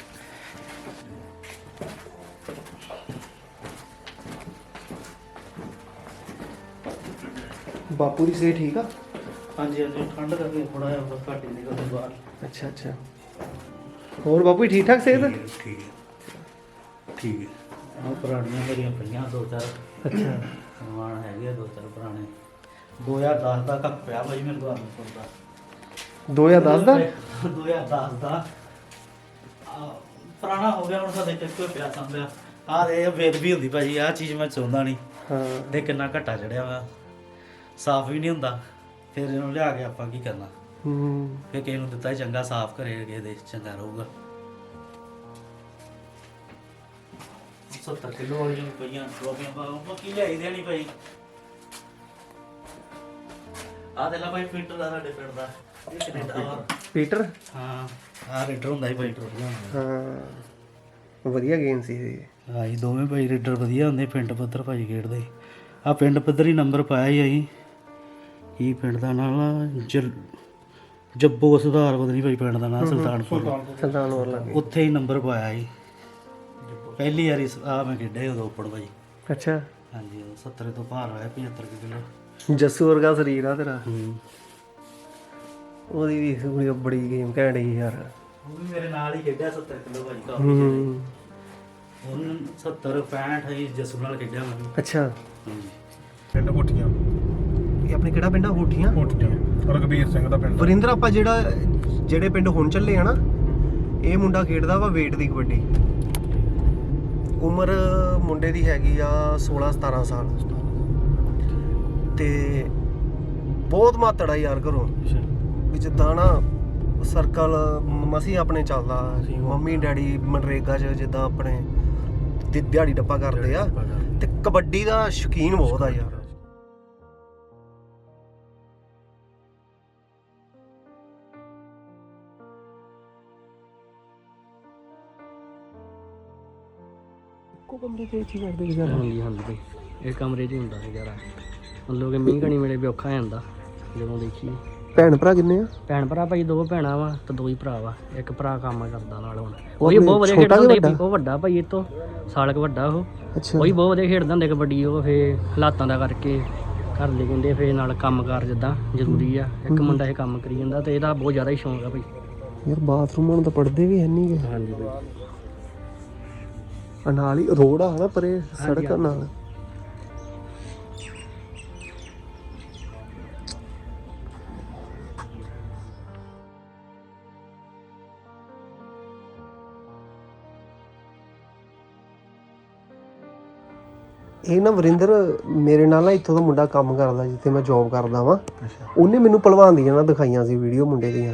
B: ਬਾਪੂ ਦੀ ਸਿਹਤ ਠੀਕ ਆ?
A: ਹਾਂਜੀ ਹਾਂਜੀ, ਠੰਡ ਕਰਕੇ ਥੋੜਾ ਜਿਹਾ ਘੱਟ ਹੀ ਨਿਕਲਦੇ ਬਾਹਰ।
B: ਅੱਛਾ। ਹੋਰ ਬਾਪੂ ਠੀਕ ਠਾਕ ਸਿਹਤ?
A: ਠੀਕ ਹੈ। ਆਹ ਪੁਰਾਣੀਆਂ ਮੇਰੀਆਂ ਪਈਆਂ 2-4। ਅੱਛਾ। ਸਨਮਾਨ ਹੈਗੇ 2-4 ਪੁਰਾਣੇ। 2010 ਦਾ ਕੱਪ ਪਿਆ ਭਾਈ ਮੇਰੇ ਕੋਲ ਦਾ।
B: 2010 ਦਾ?
A: 2010 ਦਾ ਪੁਰਾਣਾ ਹੋ ਗਿਆ ਹੁਣ। ਸਾਡੇ ਕਿੱਥੇ ਪਿਆ ਸੰਭਿਆ। ਆਹ ਇਹ ਬੇਦਬੀ ਹੁੰਦੀ ਭਾਜੀ, ਆਹ ਚੀਜ਼ ਮੈਂ ਚਾਹੁੰਦਾ ਨਹੀਂ।
B: ਹਾਂ
A: ਦੇ ਕਿੰਨਾ ਘੱਟਾ ਚੜਿਆ ਵਾ, ਸਾਫ਼ ਵੀ ਨਹੀਂ ਹੁੰਦਾ। ਫਿਰ ਇਹਨੂੰ ਲਿਆ ਕੇ ਆਪਾਂ ਕੀ ਕਰਨਾ? ਫਿਰ ਕਿਸੇ ਨੂੰ ਦਿੱਤਾ ਚੰਗਾ ਸਾਫ਼ ਕਰੇ, ਕਿਸੇ ਦੇ ਚੰਗਾ ਰਹੂਗਾ। 70 ਕਿਲੋ ਵਾਲੀਆਂ ਪਈਆਂ ਟਰੋਫੀਆਂ ਬਾਕੀ ਲਿਆਈ ਦੇਣੀ ਭਾਈ। ਆਹ ਦੇ ਲਾ ਭਾਈ ਪੀਟਰ ਦਾ, ਸਾਡੇ ਪਿੰਡ ਦਾ। ਇਹ ਕੈਨੇਡਾ ਵਾ।
B: ਪੀਟਰ?
A: ਹਾਂ, ਆਹ ਰੇਡਰ ਹੁੰਦਾ ਸੀ ਭਾਈ ਟਰੋਫੀਆਂ।
B: ਹਾਂ ਵਧੀਆ ਗੇਮ ਸੀ ਇਹ।
A: ਹਾਂ ਜੀ, ਦੋਵੇਂ ਭਾਈ ਰੇਡਰ ਵਧੀਆ ਹੁੰਦੇ, ਪਿੰਡ ਪੱਧਰ ਭਾਈ ਖੇਡਦੇ। ਆ ਪਿੰਡ ਪੱਧਰੀ ਨੰਬਰ ਪਾਇਆ ਹੀ ਅਸੀਂ ਕੀ ਪਿੰਡ ਦਾ ਨਾਮ ਆ ਜੱਬੋ ਸੁਧਾਰ ਪਤਾ ਨਹੀਂ ਭਾਈ ਪਿੰਡ ਦਾ ਨਾਮ ਸੁਲਤਾਨਪੁਰ ਉੱਥੇ ਹੀ ਨੰਬਰ ਪਾਇਆ ਸੀ ਪਹਿਲੀ ਵਾਰੀ ਆ ਮੈਂ ਖੇਡਿਆ ਉਦੋਂ ਓਪਨ ਭਾਈ।
B: ਅੱਛਾ
A: ਹਾਂਜੀ 70 ਤੋਂ ਭਾਰ ਹੋਇਆ 75 ਕਿਲੋ।
B: ਜੱਸੂ ਵਰਗਾ ਸਰੀਰ ਆ ਤੇਰਾ। ਉਹਦੀ ਵੀ ਬੜੀ ਗੇਮ ਘੈਂਟ ਸੀ ਯਾਰ।
A: ਉਹ ਵੀ ਮੇਰੇ ਨਾਲ ਹੀ ਖੇਡਿਆ 70 ਕਿਲੋ ਭਾਈ ਕਾਫੀ ਉਹਨੂੰ 70 65 ਹੀ ਜੱਸੂ ਨਾਲ ਖੇਡਿਆ ਮੈਂ।
B: ਅੱਛਾ
A: ਹਾਂਜੀ
D: ਪਿੰਡ ਹੋਠੀਆਂ।
B: ਇਹ ਆਪਣੇ ਕਿਹੜਾ ਪਿੰਡ ਆ? ਹੋਠੀਆਂ।
D: ਰਘਬੀਰ ਸਿੰਘ ਦਾ ਪਿੰਡ।
B: ਵਰਿੰਦਰ ਆਪਾਂ ਜਿਹੜੇ ਪਿੰਡ ਹੁਣ ਚੱਲੇ ਆ ਨਾ, ਇਹ ਮੁੰਡਾ ਖੇਡਦਾ ਵਾ weight ਦੀ ਕਬੱਡੀ। ਉਮਰ ਮੁੰਡੇ ਦੀ ਹੈਗੀ ਆ 16-17 ਸਾਲ ਤੇ ਬਹੁਤ ਮਾਤੜਾ ਯਾਰ ਘਰੋਂ ਵੀ ਜਿੱਦਾਂ ਨਾ ਸਰਕਲ ਮਸੀਂ ਆਪਣੇ ਚੱਲਦਾ ਸੀ। ਮੰਮੀ ਡੈਡੀ ਮਨਰੇਗਾ 'ਚ ਜਿੱਦਾਂ ਆਪਣੇ ਦਿਹਾੜੀ ਡੱਪਾ ਕਰਦੇ ਆ ਤੇ ਕਬੱਡੀ ਦਾ ਸ਼ੌਕੀਨ ਬਹੁਤ ਆ ਯਾਰ। ਇੱਕੋ ਕਮਰੇ 'ਚ ਹੀ ਕਰਦੇ ਸੀ?
E: ਹਾਂਜੀ ਭਾਈ ਇਹ ਕਮਰੇ 'ਚ ਹੀ ਹੁੰਦਾ ਸੀ ਯਾਰ। ਮਤਲਬ ਕਿ ਮੀਂਹ ਘਣੀ ਵੇਲੇ ਵੀ ਔਖਾ ਹੋ ਜਾਂਦਾ ਜਦੋਂ ਦੇਖੀਏ।
B: ਭੈਣ ਭਰਾ ਕਿੰਨੇ ਆ?
E: ਭੈਣ ਭਰਾ ਭਾਈ 2 ਭੈਣਾਂ ਵਾ ਤੇ 2 ਹੀ ਭਰਾ ਵਾ। ਇੱਕ ਭਰਾ ਕੰਮ ਕਰਦਾ ਨਾਲ ਹੁਣ। ਉਹ ਵੀ ਬਹੁਤ ਵਧੀਆ ਖੇਡਦਾ ਹੁੰਦਾ ਸੀ। ਉਹ ਵੱਡਾ ਭਾਈ ਇਹ ਤੋਂ ਸਾਲ ਕੁ ਵੱਡਾ ਉਹ।
B: ਅੱਛਾ
E: ਉਹ ਵੀ ਬਹੁਤ ਵਧੀਆ ਖੇਡਦਾ ਹੁੰਦਾ ਕਬੱਡੀ। ਉਹ ਫੇਰ ਹਾਲਾਤਾਂ ਦਾ ਕਰਕੇ ਘਰ ਦੇ ਕਹਿੰਦੇ ਫੇਰ ਨਾਲ ਕੰਮਕਾਰ ਜਿੱਦਾਂ ਜ਼ਰੂਰੀ ਆ। ਇੱਕ ਮੁੰਡਾ ਇਹ ਕੰਮ ਕਰੀ ਜਾਂਦਾ ਤੇ ਇਹਦਾ ਬਹੁਤ ਜ਼ਿਆਦਾ ਹੀ ਸ਼ੌਂਕ ਆ ਭਾਈ।
B: ਯਾਰ ਬਾਥਰੂਮ ਹੁਣ ਤਾਂ ਪੜਦੇ ਵੀ ਹੈ ਨਹੀਂ ਗੇ।
E: ਹਾਂਜੀ ਭਾਈ
B: ਨਾਲ ਹੀ ਰੋਡ ਆ ਨਾ ਪਰੇ ਸੜਕ ਨਾਲ। ਇਹ ਨਾ ਵਰਿੰਦਰ ਮੇਰੇ ਨਾਲ ਨਾ ਇੱਥੋਂ ਦਾ ਮੁੰਡਾ ਕੰਮ ਕਰਦਾ ਜਿੱਥੇ ਮੈਂ ਜੌਬ ਕਰਦਾ ਵਾਂ। ਉਹਨੇ ਮੈਨੂੰ ਭਲਵਾਨ ਦੀਆਂ ਨਾ ਦਿਖਾਈਆਂ ਸੀ ਵੀਡੀਓ ਮੁੰਡੇ ਦੀਆਂ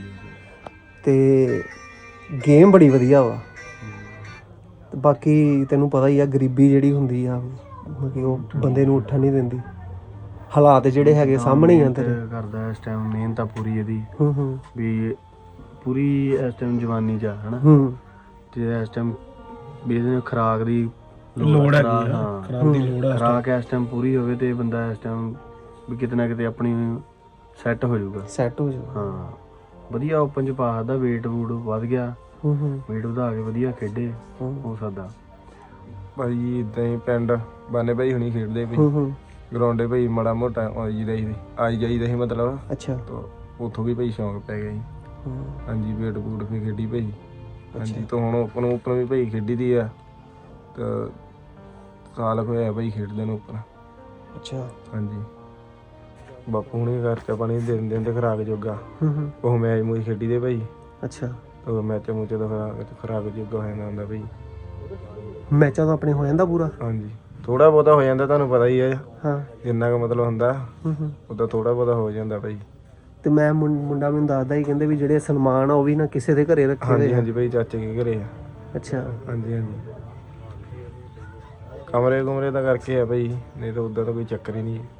B: ਤੇ ਗੇਮ ਬੜੀ ਵਧੀਆ ਵਾ। ਤੇ ਬਾਕੀ ਤੈਨੂੰ ਪਤਾ ਹੀ ਆ ਗਰੀਬੀ ਜਿਹੜੀ ਹੁੰਦੀ ਆ ਕਿ ਉਹ ਬੰਦੇ ਨੂੰ ਉੱਠਣ ਨਹੀਂ ਦਿੰਦੀ। ਹਾਲਾਤ ਜਿਹੜੇ ਹੈਗੇ ਸਾਹਮਣੇ ਹੀ ਆ ਤੇਰੇ।
C: ਕਰਦਾ ਇਸ ਟਾਈਮ ਮਿਹਨਤ ਆ ਪੂਰੀ ਇਹਦੀ ਵੀ ਪੂਰੀ ਇਸ ਟਾਈਮ ਜਵਾਨੀ 'ਚ ਆ ਹਨਾ। ਤੇ ਇਸ ਟਾਈਮ ਵੀ ਇਹਦੇ ਖੁਰਾਕ ਦੀ
D: ਲੋੜ ਹੈ।
C: ਖੁਰਾਕ ਦੀ ਲੋੜ ਹੈ। ਖੁਰਾਕ ਇਸ ਟਾਈਮ ਪੂਰੀ ਹੋਵੇ ਤੇ ਬੰਦਾ ਇਸ ਟਾਈਮ ਵੀ ਕਿਤੇ ਨਾ ਕਿਤੇ ਆਪਣੀ ਸੈੱਟ ਹੋ ਜਾਊਗਾ।
B: ਸੈੱਟ ਹੋ ਜਾ।
C: ਹਾਂ ਵਧੀਆ ਓਪਨ 'ਚ ਪਾ ਸਕਦਾ। ਵੇਟ ਵੂਟ ਵੱਧ ਗਿਆ। ਵੇਟ ਵਧਾ ਕੇ ਵਧੀਆ ਖੇਡੇ ਹੋ ਸਕਦਾ।
D: ਭਾਈ ਇਦਾਂ ਹੀ ਪਿੰਡ ਬਾਨੇ ਭਾਈ ਹੁਣੀ ਖੇਡਦੇ ਵੀ ਗਰਾਉਂਡੇ ਭਾਈ ਮਾੜਾ ਮੋਟਾ ਆਈ ਜਾਈਦਾ ਸੀ ਮਤਲਬ।
B: ਅੱਛਾ
D: ਉੱਥੋਂ ਵੀ ਭਾਈ ਸ਼ੌਂਕ ਪੈ ਗਿਆ ਜੀ। ਹਾਂਜੀ ਵੇਟ ਵੂਟ ਵੀ ਖੇਡੀ ਭਾਈ। ਹਾਂਜੀ ਤਾਂ ਹੁਣ ਓਪਨ ਵੀ ਭਾਈ ਖੇਡੀ ਦੀ ਆ ਤਾਂ ਸਾਲ ਹੋਇਆ ਭਾਈ ਖੇਡਦੇ ਨੂੰ ਓਪਨ।
B: ਅੱਛਾ
D: ਹਾਂਜੀ ਬਾਪੂ ਹੁਣੇ ਖਰਚਾ ਪਾਣੀ ਦੇ ਦਿੰਦੇ ਤੇ ਖੁਰਾਕ ਜੋਗਾ। ਉਹ ਮੈਚ ਮੂਚ ਖੇਡੀ ਦੇ ਭਾਈ।
B: ਅੱਛਾ
D: ਉਹ ਮੈਚ ਮੂਚ ਦਾ ਖੁਰਾਕ ਜੋਗਾ ਹੋ ਜਾਂਦਾ ਹੁੰਦਾ ਭਾਈ।
B: ਮੈਚਾਂ ਤਾਂ ਆਪਣੇ ਹੋ ਜਾਂਦਾ ਪੂਰਾ।
D: ਹਾਂਜੀ ਥੋੜਾ ਬਹੁਤਾ ਹੋ ਜਾਂਦਾ ਤੁਹਾਨੂੰ ਪਤਾ ਹੀ ਹੈ।
B: ਹਾਂ
D: ਜਿੰਨਾ ਕੁ ਮਤਲਬ ਹੁੰਦਾ ਉਦਾਂ ਥੋੜਾ ਬਹੁਤਾ ਹੋ ਜਾਂਦਾ ਭਾਈ।
B: ਤੇ ਮੈਂ ਮੁੰਡਾ ਮੈਨੂੰ ਦੱਸਦਾ ਹੀ ਕਹਿੰਦੇ ਵੀ ਜਿਹੜੇ ਸਨਮਾਨ ਆ ਉਹ ਵੀ ਨਾ ਕਿਸੇ ਦੇ ਘਰੇ ਰੱਖੇ ਹੋਏ
D: ਹਾਂਜੀ
B: ਆ।
D: ਹਾਂਜੀ ਭਾਈ ਚਾਚੇ ਕੇ ਘਰੇ ਆ।
B: ਅੱਛਾ
D: ਹਾਂਜੀ ਹਾਂਜੀ ਕਮਰੇ ਦਾ ਕਰਕੇ ਆ ਭਾਈ ਨਹੀਂ ਤਾਂ ਉਦਾਂ ਤਾਂ ਕੋਈ ਚੱਕਰ ਹੀ ਨਹੀਂ।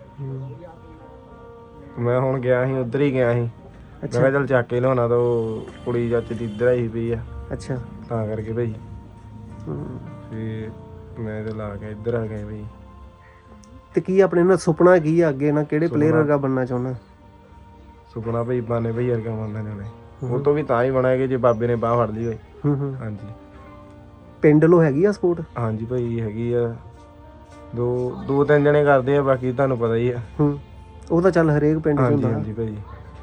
D: ਮੈਂ ਹੁਣ ਗਿਆ ਸੀ ਉੱਧਰ ਹੀ ਗਿਆ ਸੀ। ਮੈਂ ਕਿਹਾ ਚੱਲ ਚੱਕ ਕੇ ਲਿਆਉਣਾ ਤਾਂ ਉਹ ਕੁੜੀ ਚਾਚੇ ਦੀ ਇੱਧਰ ਆਈ ਪਈ ਆ।
B: ਅੱਛਾ
D: ਤਾਂ ਕਰਕੇ ਭਾਈ ਫਿਰ ਮੈਂ ਤੇ ਲਾ ਕੇ ਇੱਧਰ ਆ ਗਿਆ ਭਾਈ।
B: ਤੇ ਕੀ ਆਪਣੇ ਨਾਲ ਸੁਪਨਾ ਕੀ ਆ ਅੱਗੇ ਨਾ ਕਿਹੜੇ ਪਲੇਅਰ ਵਰਗਾ ਬਣਨਾ ਚਾਹੁੰਦਾ?
D: ਸੁਪਨਾ ਭਾਈ ਬਾਨੇ ਭਾਈ ਵਰਗਾ ਬਣਨਾ ਚਾਹੁੰਦਾ। ਉਹ ਤੋਂ ਵੀ ਤਾਂ ਹੀ ਬਣਾਇਆ ਜੇ ਬਾਬੇ ਨੇ ਬਾਹ ਫੜ ਲਈ ਹੋਈ। ਹਾਂਜੀ
B: ਪਿੰਡ ਲੋ ਹੈਗੀ ਆ ਸਪੋਰਟ?
D: ਹਾਂਜੀ ਭਾਈ ਹੈਗੀ ਆ। ਦੋ ਤਿੰਨ ਜਣੇ ਕਰਦੇ ਆ ਬਾਕੀ ਤੁਹਾਨੂੰ ਪਤਾ ਹੀ ਆ।
B: ਉਹ ਤਾਂ ਚੱਲ ਹਰੇਕ ਪਿੰਡ 'ਚ
D: ਹਾਂਜੀ
B: ਹੁੰਦਾ।
D: ਹਾਂਜੀ ਭਾਈ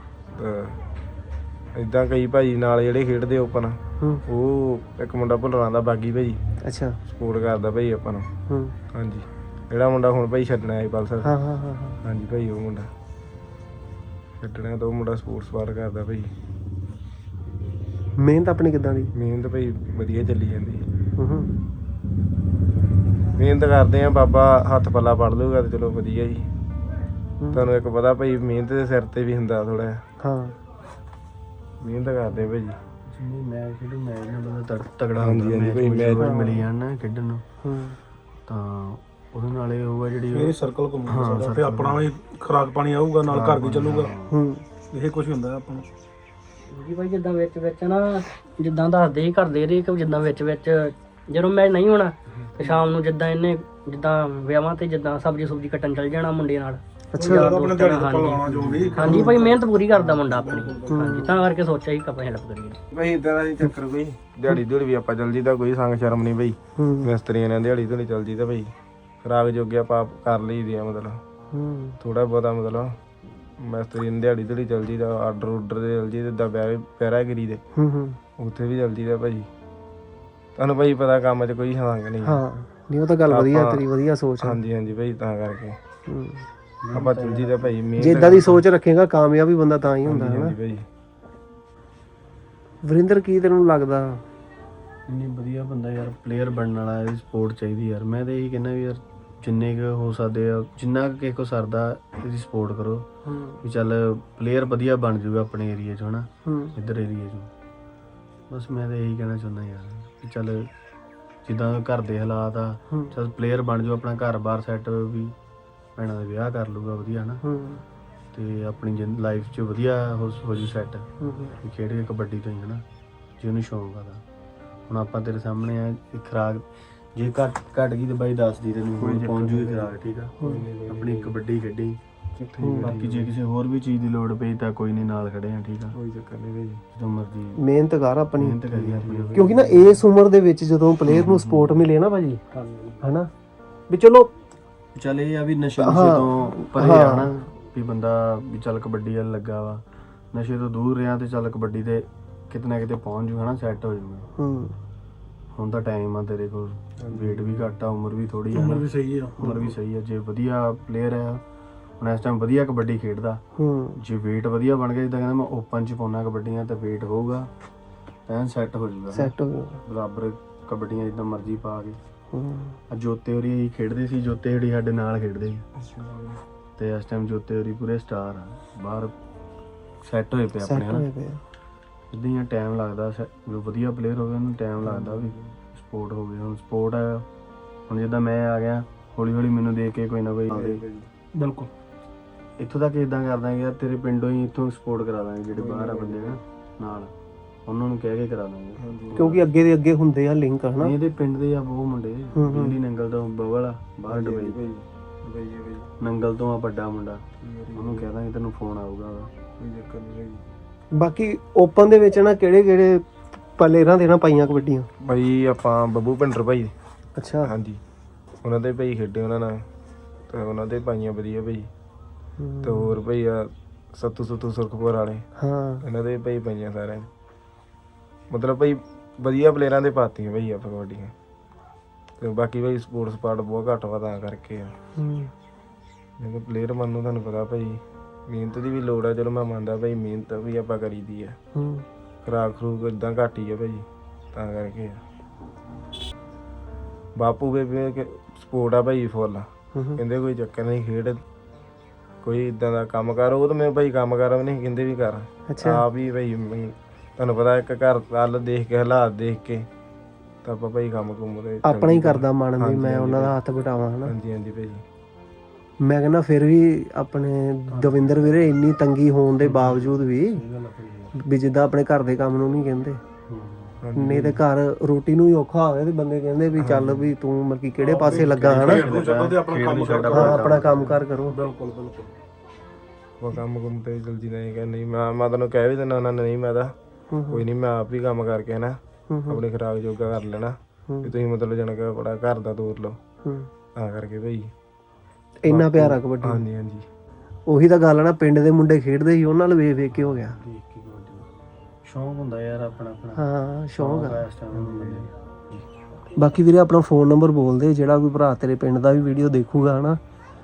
D: ਇਦਾਂ ਕਈ ਭਾਈ ਨਾਲ ਜਿਹੜੇ ਖੇਡਦੇ ਓਪਨ ਉਹ ਇੱਕ ਮੁੰਡਾ ਭੁੱਲਰਾਂ ਦਾ ਬਾਗੀ ਭਾਈ। ਅੱਛਾ ਸਪੋਰਟ ਕਰਦਾ ਭਾਈ ਆਪਾਂ ਨੂੰ। ਹਾਂਜੀ ਜਿਹੜਾ ਮੁੰਡਾ ਹੁਣ ਭਾਈ ਛੱਡਣਾ ਹੈ ਪਲਸਰ। ਹਾਂ ਹਾਂ ਹਾਂ ਹਾਂਜੀ ਭਾਈ ਉਹ ਮੁੰਡਾ ਛੱਡਣਾ ਤਾਂ ਉਹ ਮੁੰਡਾ ਸਪੋਰਟਸ ਪਾਰ ਕਰਦਾ ਭਾਈ।
B: ਮਿਹਨਤ ਆਪਣੀ ਕਿੱਦਾਂ ਦੀ?
D: ਮਿਹਨਤ ਭਾਈ ਵਧੀਆ ਚੱਲੀ ਜਾਂਦੀ। ਮਿਹਨਤ ਕਰਦੇ ਆ ਬਾਬਾ ਹੱਥ ਪੱਲਾ ਪੜ ਲੂਗਾ ਤੇ ਚਲੋ ਵਧੀਆ ਜੀ। ਤੁਹਾਨੂੰ ਇੱਕ ਪਤਾ ਭਾਈ ਮਿਹਨਤ ਦੇ ਸਿਰ ਤੇ ਵੀ ਹੁੰਦਾ ਥੋੜਾ ਜਿਹਾ। ਹਾਂ ਮਿਹਨਤ ਕਰਦੇ ਭਾਈ।
C: ਜਿੰਨੀ ਮੈਚ ਖੇਡੂ ਮੈਚ ਨਾਲ ਬੰਦਾ ਤਗੜਾ
D: ਹਾਂਜੀ ਹਾਂਜੀ ਭਾਈ ਮੈਚ
C: ਮਿਲੀ ਜਾਣ ਨਾ ਖੇਡਣ ਨੂੰ ਤਾਂ ਉਹਦੇ ਨਾਲ ਇਹ ਹੋਊਗਾ ਜਿਹੜੀ
D: ਇਹ ਸਰਕਲ ਘੁੰਮਦਾ ਤੇ ਆਪਣਾ ਵੀ ਖੁਰਾਕ ਪਾਣੀ ਆਊਗਾ ਨਾਲ ਘਰ ਵੀ ਚੱਲੂਗਾ। ਇਹ ਕੁਝ ਹੁੰਦਾ ਆਪਾਂ ਨੂੰ
E: ਜੀ ਭਾਈ। ਜਿੱਦਾਂ ਵਿੱਚ ਨਾ ਜਿੱਦਾਂ ਦੱਸਦੇ ਸੀ ਘਰ ਦੇ ਕਿ ਜਿੱਦਾਂ ਵਿੱਚ ਜਦੋਂ ਮੈਚ ਨਹੀਂ ਹੋਣਾ ਤੇ ਸ਼ਾਮ ਨੂੰ ਜਿੱਦਾਂ ਇਹਨੇ ਜਿੱਦਾਂ ਵਿਆਹਾਂ ਤੇ ਜਿੱਦਾਂ ਸਬਜ਼ੀ ਸੁਬਜ਼ੀ ਕੱਟਣ ਚੱਲ ਜਾਣਾ ਮੁੰਡੇ ਨਾਲ।
B: ਅੱਛਾ,
E: ਆਪਣੇ ਦਿਹਾੜੀ ਤੋਂ ਲਾਉਣਾ ਜੋ ਵੀ। ਹਾਂਜੀ ਭਾਈ ਮਿਹਨਤ ਪੂਰੀ ਕਰਦਾ ਮੁੰਡਾ ਆਪਣੀ। ਹਾਂਜੀ ਤਾਂ ਕਰਕੇ ਸੋਚਿਆ ਸੀ ਆਪਾਂ ਹੈਲਪ ਕਰੀਏ।
D: ਭਾਈ ਇਦਾਂ ਦਾ ਨਹੀਂ ਚੱਕਰ ਕੋਈ, ਦਿਹਾੜੀ ਦਿਹੜੀ ਵੀ ਆਪਾਂ ਚੱਲ ਜੀਦਾ, ਕੋਈ ਸੰਗ ਸ਼ਰਮ ਨਹੀਂ ਭਾਈ। ਮਿਸਤਰੀਆਂ ਨੇ ਦਿਹਾੜੀ ਦਿਹੜੀ ਚੱਲ ਜੀਦਾ ਭਾਈ, ਖਰਾਕ ਜੋਗੇ ਆਪਾਂ ਕਰ ਲਈਦੀ ਆ, ਮਤਲਬ ਥੋੜਾ ਬਹੁਤਾ ਮਤਲਬ ਮਿਸਤਰੀ ਨੇ ਦਿਹਾੜੀ ਦਿਹੜੀ ਚੱਲ ਜੀਦਾ, ਆਰਡਰ ਉਡਰ ਦੇ ਚੱਲ ਜੀਦਾ, ਜਿੱਦਾਂ ਪੈਰਾਗਿਰੀ ਦੇ ਉੱਥੇ ਵੀ ਚੱਲ ਜੀਦਾ ਭਾਈ। ਤੁਹਾਨੂੰ ਭਾਈ ਪਤਾ ਕੰਮ 'ਚ ਕੋਈ ਸੰਗ ਨਹੀਂ।
B: ਹਾਂ ਨਹੀਂ ਉਹ ਤਾਂ ਗੱਲ ਵਧੀਆ, ਤੇਰੀ ਵਧੀਆ ਸੋਚ ਹੈ।
D: ਹਾਂਜੀ ਹਾਂਜੀ ਭਾਈ, ਤਾਂ ਕਰਕੇ ਆਪਾਂ ਚੱਲ ਜੀਦਾ ਭਾਈ।
B: ਜੇ ਇਦਾਂ ਦੀ ਸੋਚ ਰੱਖੇਗਾ ਕਾਮਯਾਬੀ ਬੰਦਾ ਤਾਂ ਹੀ ਹੁੰਦਾ ਹੈ ਨਾ
D: ਭਾਈ।
B: ਵਰਿੰਦਰ, ਕੀ ਤੈਨੂੰ ਲੱਗਦਾ?
C: ਇੰਨੀ ਵਧੀਆ ਬੰਦਾ ਯਾਰ, ਪਲੇਅਰ ਬਣਨ ਵਾਲਾ, ਇਹਦੀ ਸਪੋਰਟ ਚਾਹੀਦੀ ਯਾਰ। ਮੈਂ ਤਾਂ ਇਹੀ ਕਹਿੰਦਾ ਵੀ ਯਾਰ ਜਿੰਨੇ ਕੁ ਹੋ ਸਕਦੇ ਆ, ਜਿੰਨਾ ਕੁ ਕਿਸੇ ਕੋ ਸਰਦਾ, ਇਹਦੀ ਸਪੋਰਟ ਕਰੋ ਵੀ ਚੱਲ ਪਲੇਅਰ ਵਧੀਆ ਬਣ ਜਾਊਗਾ ਆਪਣੇ ਏਰੀਆ 'ਚ, ਹਨਾ ਇੱਧਰ ਏਰੀਆ 'ਚ। ਬਸ ਮੈਂ ਤਾਂ ਇਹੀ ਕਹਿਣਾ ਚਾਹੁੰਦਾ ਯਾਰ ਵੀ ਚੱਲ ਜਿੱਦਾਂ ਘਰ ਦੇ ਹਾਲਾਤ ਆ, ਚੱਲ ਪਲੇਅਰ ਬਣ ਜਾਊ, ਆਪਣਾ ਘਰ-ਬਾਰ ਸੈੱਟ ਵੀ, ਭੈਣਾਂ ਦਾ ਵਿਆਹ ਕਰ ਲੂਗਾ ਵਧੀਆ, ਹਨਾ ਤੇ ਆਪਣੀ ਲਾਈਫ 'ਚ ਵਧੀਆ ਹੋ ਜੂ ਸੈੱਟ, ਖੇਡ ਕੇ ਕਬੱਡੀ ਤੋਂ ਹੀ, ਹਨਾ ਜੇ ਉਹਨੂੰ ਸ਼ੌਂਕ ਆ ਤਾਂ। ਹੁਣ ਆਪਾਂ ਤੇਰੇ ਸਾਹਮਣੇ ਆ, ਖੁਰਾਕ ਜੇ ਘਟ ਗਈ ਤੇ ਬਾਈ ਦੱਸ ਦੀ, ਤੈਨੂੰ ਪਹੁੰਚ ਜੂਗੀ ਖੁਰਾਕ, ਠੀਕ ਆ। ਆਪਣੀ ਕਬੱਡੀ ਖੇਡੀ, ਬਾਕੀ ਜੇ ਕਿਸੇ ਹੋਰ ਵੀ ਚੀਜ਼ ਦੀ ਲੋੜ ਪਈ ਤਾਂ ਕੋਈ ਨਹੀਂ, ਨਾਲ ਖੜੇ ਆ, ਠੀਕ ਆ। ਕੋਈ ਚੱਕਰ ਨਹੀਂ ਭਾਈ, ਜਦੋਂ ਮਰਜ਼ੀ
B: ਮਿਹਨਤ ਕਰ ਆਪਣੀ,
C: ਮਿਹਨਤ ਕਰੀ ਆਪਣੀ।
B: ਕਿਉਂਕਿ ਨਾ ਇਸ ਉਮਰ ਦੇ ਵਿੱਚ ਜਦੋਂ ਪਲੇਅਰ ਨੂੰ ਸਪੋਰਟ ਮਿਲੇ ਨਾ ਭਾਜੀ, ਹਨਾ ਵੀ ਚਲੋ
C: ਚੱਲ ਇਹ ਆ ਵੀ ਨਸ਼ੇ ਤੋਂ ਪਰੇ ਆ, ਹਨਾ ਵੀ ਬੰਦਾ ਵੀ ਚੱਲ ਕਬੱਡੀ ਵੱਲ ਲੱਗਾ ਵਾ, ਨਸ਼ੇ ਤੋਂ ਦੂਰ ਰਿਹਾ ਤੇ ਚੱਲ ਕਬੱਡੀ ਤੇ ਕਿਤੇ ਨਾ ਕਿਤੇ ਪਹੁੰਚ ਜੂ, ਹਨਾ ਸੈੱਟ ਹੋ ਜਾਊਗਾ। ਹੁਣ ਤਾਂ ਟਾਈਮ ਆ ਤੇਰੇ ਕੋਲ, ਵੇਟ ਵੀ ਘੱਟ ਆ, ਉਮਰ ਵੀ ਥੋੜੀ ਆ, ਉਮਰ ਵੀ ਸਹੀ ਆ। ਜੇ ਵਧੀਆ ਪਲੇਅਰ ਆ, ਹੁਣ ਇਸ ਟਾਈਮ ਵਧੀਆ ਕਬੱਡੀ ਖੇਡਦਾ, ਜੇ ਵੇਟ ਵਧੀਆ ਬਣ ਗਿਆ, ਜਿੱਦਾਂ ਕਹਿੰਦਾ ਮੈਂ ਓਪਨ 'ਚ ਪਾਉਣਾ ਕਬੱਡੀਆਂ, ਤਾਂ ਵੇਟ ਹੋਊਗਾ ਐਨ ਸੈੱਟ ਹੋ ਜਾਊਗਾ, ਬਰਾਬਰ ਕਬੱਡੀਆਂ ਜਿੱਦਾਂ ਮਰਜ਼ੀ ਪਾ ਕੇ। ਜੋਤੇ ਹੋਰੀ ਖੇਡਦੇ ਸੀ, ਜੋਤੇ ਹੋਰੀ ਸਾਡੇ ਨਾਲ ਖੇਡਦੇ ਸੀ ਤੇ ਇਸ ਟਾਈਮ ਜੋਤੇ ਹੋਰੀ ਪੂਰੇ ਸਟਾਰ ਆ, ਬਾਹਰ ਸੈੱਟ ਹੋਏ ਪਏ ਆਪਣੇ, ਹਨਾ ਇੱਦਾਂ ਹੀ ਟਾਈਮ ਲੱਗਦਾ। ਜੋ ਵਧੀਆ ਪਲੇਅਰ ਹੋਵੇ ਉਹਨੂੰ ਟਾਈਮ ਲੱਗਦਾ ਵੀ ਸਪੋਰਟ ਹੋਵੇ। ਹੁਣ ਸਪੋਰਟ ਹੈ, ਹੁਣ ਜਿੱਦਾਂ ਮੈਂ ਆ ਗਿਆ, ਹੌਲੀ ਹੌਲੀ ਮੈਨੂੰ ਦੇਖ ਕੇ ਕੋਈ ਨਾ ਕੋਈ ਆਵੇ।
B: ਬਿਲਕੁਲ
C: ਇੱਥੋਂ ਤੱਕ ਇਦਾਂ ਕਰ ਦਾਂਗੇ ਯਾਰ, ਤੇਰੇ ਪਿੰਡੋਂ ਹੀ ਇੱਥੋਂ ਸਪੋਰਟ ਕਰਾ ਦਾਂਗੇ, ਜਿਹੜੇ ਬਾਹਰ ਆ ਬੰਦੇ ਨਾ ਨਾਲ, ਉਹਨਾਂ ਨੂੰ ਕਹਿ ਕੇ ਕਰਾ ਦਾਂਗੇ,
B: ਕਿਉਂਕਿ ਅੱਗੇ ਦੇ ਅੱਗੇ ਹੁੰਦੇ ਆ ਲਿੰਕ, ਹਨਾ।
C: ਇਹਦੇ ਪਿੰਡ ਦੇ ਆ ਬਹੁਤ ਮੁੰਡੇ, ਦਿੱਲੀ ਨੰਗਲ ਤੋਂ ਬਵਲ ਆ, ਬਾਹਰ ਦੁਬਈ ਨੰਗਲ ਤੋਂ ਆ ਵੱਡਾ ਮੁੰਡਾ, ਉਹਨੂੰ ਕਹਿ ਦਾਂਗੇ ਤੈਨੂੰ ਫੋਨ ਆਊਗਾ।
B: ਬਾਕੀ ਓਪਨ ਦੇ ਵਿੱਚ ਨਾ ਕਿਹੜੇ ਪਲੇਅਰਾਂ ਦੇ ਨਾ ਪਾਈਆਂ ਕਬੱਡੀਆਂ
D: ਭਾਈ? ਆਪਾਂ ਬੱਬੂ ਭਿੰਡਰ ਭਾਈ।
B: ਅੱਛਾ,
D: ਹਾਂਜੀ, ਉਹਨਾਂ ਦੇ ਭਾਈ ਖੇਡੇ ਉਹਨਾਂ ਨਾਲ, ਤੇ ਉਹਨਾਂ ਦੇ ਪਾਈਆਂ ਵਧੀਆ ਭਾਈ। ਤੇ ਹੋਰ ਭਾਈ ਆ ਸੱਤੂ ਸੁਰਖਪੁਰ ਵਾਲੇ, ਇਹਨਾਂ ਦੇ ਭਾਈ ਪਾਈਆਂ ਸਾਰਿਆਂ ਨੇ, ਮਤਲਬ ਭਾਈ ਵਧੀਆ ਪਲੇਅਰਾਂ ਦੇ ਪਾਤੀਆਂ ਭਾਈ ਆਪਾਂ ਕਬੱਡੀਆਂ। ਤੇ ਬਾਕੀ ਭਾਈ ਸਪੋਰਟਸ ਪਾਰਟ ਬਹੁਤ ਘੱਟ ਵਾ, ਤਾਂ ਕਰਕੇ ਆ। ਜੇ ਪਲੇਅਰ ਬਣਨ ਨੂੰ ਤੁਹਾਨੂੰ ਪਤਾ ਭਾਈ ਮਿਹਨਤ ਦੀ ਵੀ ਲੋੜ ਆ। ਚਲੋ ਮੈਂ ਮੰਨਦਾ ਭਾਈ, ਮਿਹਨਤ ਵੀ ਆਪਾਂ ਕਰੀਦੀ ਆ, ਖੁਰਾਕ ਖਰੂਕ ਏਦਾਂ ਘੱਟ ਹੀ ਆ ਭਾਈ, ਤਾਂ ਕਰਕੇ ਆ। ਬਾਪੂ ਬੇਬੇ ਸਪੋਰਟ ਆ ਭਾਈ ਫੁੱਲ, ਕਹਿੰਦੇ ਕੋਈ ਚੱਕਰ ਨਹੀਂ, ਖੇਡ ਕੋਈ ਇਦਾਂ ਦਾ ਕੰਮ ਕਰ। ਉਹ ਤਾਂ ਮੈਂ ਭਾਈ ਕੰਮ ਕਰ ਵੀ ਨਹੀਂ ਕਹਿੰਦੇ ਵੀ ਕਰ, ਆਪ ਹੀ ਭਾਈ ਤੁਹਾਨੂੰ ਪਤਾ ਇੱਕ ਘਰ ਵੱਲ ਦੇਖ ਕੇ, ਹਾਲਾਤ ਦੇਖ ਕੇ ਤਾਂ ਆਪਾਂ ਭਾਈ ਕੰਮ ਕੁੰਮ ਦੇ
B: ਆਪਣਾ ਹੀ ਕਰਦਾ ਮਨ ਵੀ ਮੈਂ ਉਹਨਾਂ ਦਾ ਹੱਥ ਵਟਾਵਾਂ, ਹਨਾ।
D: ਹਾਂਜੀ ਹਾਂਜੀ ਭਾਈ,
B: ਮੈਂ ਕਹਿੰਦਾ ਫਿਰ ਵੀ ਆਪਣੇ ਦਵਿੰਦਰ ਵੀਰੇ ਇੰਨੀ ਤੰਗੀ ਹੋਣ ਦੇ ਬਾਵਜੂਦ ਵੀ ਜਿੱਦਾਂ ਆਪਣੇ ਘਰ ਦੇ ਕੰਮ ਨੂੰ ਨਹੀਂ ਕਹਿੰਦੇ, ਨਹੀਂ ਤੇ ਘਰ ਰੋਟੀ ਨੂੰ ਹੀ ਔਖਾ ਹੋਵੇ ਤੇ ਬੰਦੇ ਕਹਿੰਦੇ ਵੀ ਚੱਲ ਵੀ ਤੂੰ ਮਤਲਬ ਕਿ ਕਿਹੜੇ ਪਾਸੇ ਲੱਗਾ, ਹਨਾ। ਆਪਣਾ ਕੰਮ ਕਾਰ ਕਰੋ। ਬਿਲਕੁਲ
D: ਉਹ ਕੰਮ ਕੁੰਮ ਤੇ ਜਲਦੀ ਨਹੀਂ ਕਿ ਨਹੀਂ, ਮੈਂ ਤੁਹਾਨੂੰ ਕਹਿ ਵੀ ਦਿੰਦਾ ਉਹਨਾਂ ਨੇ, ਨਹੀਂ ਮੈਂ ਤਾਂ ਕੋਈ ਨਹੀਂ, ਮੈਂ ਆਪ ਹੀ ਕੰਮ ਕਰਕੇ ਨਾ ਆਪਣੀ ਖੁਰਾਕ ਜੋਗਾ ਕਰ ਲੈਣਾ, ਵੀ ਤੁਸੀਂ ਮਤਲਬ ਜਾਣ ਕੇ ਬੜਾ ਘਰ ਦਾ ਤੋਰ ਲਓ, ਤਾਂ ਕਰਕੇ ਭਾਈ
B: ਇੰਨਾ ਪਿਆਰਾ ਕਬੱਡੀ।
D: ਹਾਂਜੀ ਹਾਂਜੀ,
B: ਉਹੀ ਤਾਂ ਗੱਲ ਆ ਨਾ, ਪਿੰਡ ਦੇ ਮੁੰਡੇ ਖੇਡਦੇ ਸੀ, ਉਹਨਾਂ ਨਾਲ ਵੇਖ ਕੇ ਹੋ ਗਿਆ।
C: ਸ਼ੌਂਕ ਹੁੰਦਾ ਯਾਰ ਆਪਣਾ।
B: ਹਾਂ ਸ਼ੌਂਕ ਆ। ਬਾਕੀ ਵੀਰੇ ਆਪਣਾ ਫੋਨ ਨੰਬਰ ਬੋਲ ਦੇ, ਜਿਹੜਾ ਕੋਈ ਭਰਾ ਤੇਰੇ ਪਿੰਡ ਦਾ ਵੀ ਵੀਡੀਓ ਦੇਖੂਗਾ, ਹਨਾ।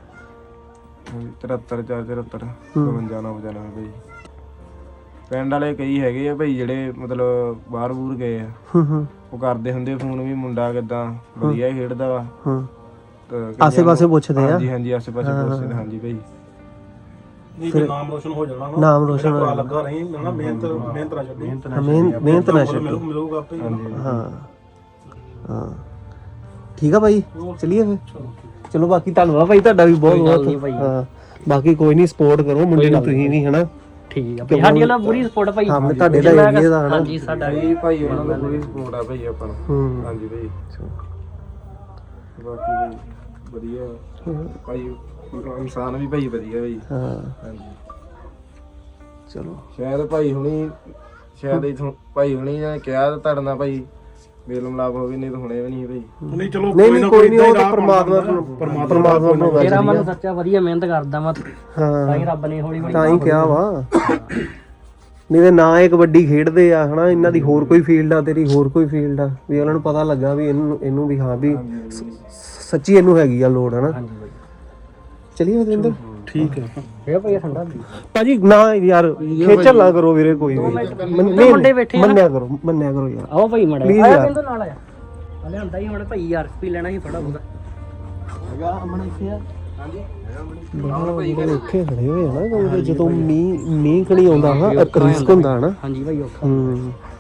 D: 73 474 ਭਾਈ। ਪਿੰਡ ਵਾਲੇ ਕਈ ਹੈਗੇ ਆ ਭਾਈ ਜਿਹੜੇ ਮਤਲਬ ਬਾਹਰ ਬੂਰ ਗਏ ਆ, ਉਹ ਕਰਦੇ ਹੁੰਦੇ ਫੋਨ ਵੀ ਮੁੰਡਾ ਕਿੱਦਾਂ ਵਧੀਆ ਖੇਡਦਾ ਵਾ,
B: ਆਸੇ ਪਾਸੇ ਪੁੱਛਦੇ ਆ।
D: ਹਾਂਜੀ ਹਾਂਜੀ, ਆਸੇ ਪਾਸੇ ਪੁੱਛਦੇ। ਹਾਂਜੀ ਭਾਈ,
B: ਫਿਰ ਨਾਮ ਰੋਸ਼ਨ ਹੋ ਜਾਣਾ, ਨਾਮ ਰੋਸ਼ਨ ਲੱਗਾ ਨਹੀਂ, ਮਿਹਨਤ ਨਾ ਛੱਡੋ, ਮਿਲੂਗਾ ਆਪੇ। ਹਾਂ ਹਾਂ, ਠੀਕ ਆ ਭਾਈ, ਚਲਿਏ ਫਿਰ। ਚਲੋ ਬਾਕੀ ਧੰਨਵਾਦ ਭਾਈ ਤੁਹਾਡਾ ਵੀ ਬਹੁਤ ਬਹੁਤ। ਹਾਂ ਬਾਕੀ ਕੋਈ ਨਹੀਂ, ਸਪੋਰਟ ਕਰੋ ਮੁੰਡੇ ਨੂੰ ਤੁਸੀਂ ਵੀ, ਹਨਾ।
E: ਠੀਕ ਆ ਭਾਈ, ਸਾਡੀ ਨਾਲ ਪੂਰੀ ਸਪੋਰਟ ਭਾਈ।
B: ਹਾਂ ਤੁਹਾਡੇ ਦਾ ਏਰੀਆ ਦਾ, ਹਨਾ।
E: ਹਾਂਜੀ ਸਾਡਾ
D: ਵੀ ਭਾਈ ਉਹਨਾਂ ਦਾ ਪੂਰੀ ਸਪੋਰਟ ਆ ਭਾਈ ਆਪਾਂ ਨੂੰ। ਹਾਂਜੀ ਭਾਈ, ਬਾਕੀ ਵਧੀਆ ਭਾਈ, ਇਨਸਾਨ ਵੀ ਭਾਈ ਵਧੀਆ ਭਾਈ।
B: ਹਾਂ
D: ਹਾਂਜੀ
B: ਚਲੋ
D: ਸ਼ਾਇਦ ਭਾਈ ਹੁਣੀ ਇਥੋਂ ਭਾਈ ਹੁਣੀ ਨੇ ਕਿਹਾ ਤਾਂ ਤੁਹਾਡੇ ਨਾਲ ਭਾਈ ਮੇਲ ਮਿਲਾਪ ਹੋ ਗਈ, ਨਹੀਂ ਤਾਂ ਹੁਣੇ ਵੀ ਨਹੀਂ ਭਾਈ।
C: ਨਹੀਂ ਚਲੋ
B: ਨਹੀਂ ਕੋਈ ਨਹੀਂ, ਉਹ ਤਾਂ ਪਰਮਾਤਮਾ ਨੂੰ
E: ਮੇਰਾ ਮਨ ਸੱਚਾ ਵਧੀਆ ਮਿਹਨਤ ਕਰਦਾ ਵਾ, ਤਾਂ ਹੀ ਰੱਬ ਨੇ ਹੌਲੀ ਹੌਲੀ
B: ਤਾਂ ਹੀ ਕਿਹਾ ਵਾ। ਨਹੀਂ ਤੇ ਨਾ ਇਹ ਕਬੱਡੀ ਖੇਡਦੇ ਆ ਹਨਾ, ਇਹਨਾਂ ਦੀ ਹੋਰ ਕੋਈ ਫੀਲਡ ਆ, ਤੇਰੀ ਹੋਰ ਕੋਈ ਫੀਲਡ ਆ, ਵੀ ਉਹਨਾਂ ਨੂੰ ਪਤਾ ਲੱਗਾ ਵੀ ਇਹਨੂੰ ਵੀ ਹਾਂ ਵੀ ਸੱਚੀ ਇਹਨੂੰ ਹੈਗੀ ਆ ਲੋੜ ਹਨਾ।
E: ਹਾਂਜੀ ਬਾਈ
B: ਚਲਿਏ ਵਰਿੰਦਰ। ਠੀਕ ਹੈ
E: ਇਹ ਭਾਈ ਠੰਡਾ
B: ਭਾਜੀ ਨਾ ਯਾਰ ਖੇਚਲ ਨਾ ਕਰੋ ਵੀਰੇ, ਕੋਈ ਵੀ
E: ਮੁੰਡੇ ਬੈਠੇ ਆ।
B: ਮੰਨਿਆ ਕਰੋ ਯਾਰ।
E: ਆਓ ਭਾਈ ਮੜਾ
B: Please
E: ਆਇਆ
B: ਯਾਰ।
E: ਬਿੰਦੂ ਨਾਲ ਆਇਆ ਹਲੇ ਹੁੰਦਾ ਹੀ ਹੁਣ ਭਾਈ ਯਾਰ ਪੀ ਲੈਣਾ ਸੀ ਥੋੜਾ ਬਹੁਤਾ
B: ਔਖੇ ਖੜੇ ਹੋਏ ਆ ਨਾ, ਜਦੋਂ ਮੀਂਹ ਕਣੀ ਆਉਂਦਾ ਹਾਂ ਰਿਸਕ ਹੁੰਦਾ ਹਨਾ।
E: ਹਾਂਜੀ ਭਾਈ ਔਖਾ
B: ਹੂੰ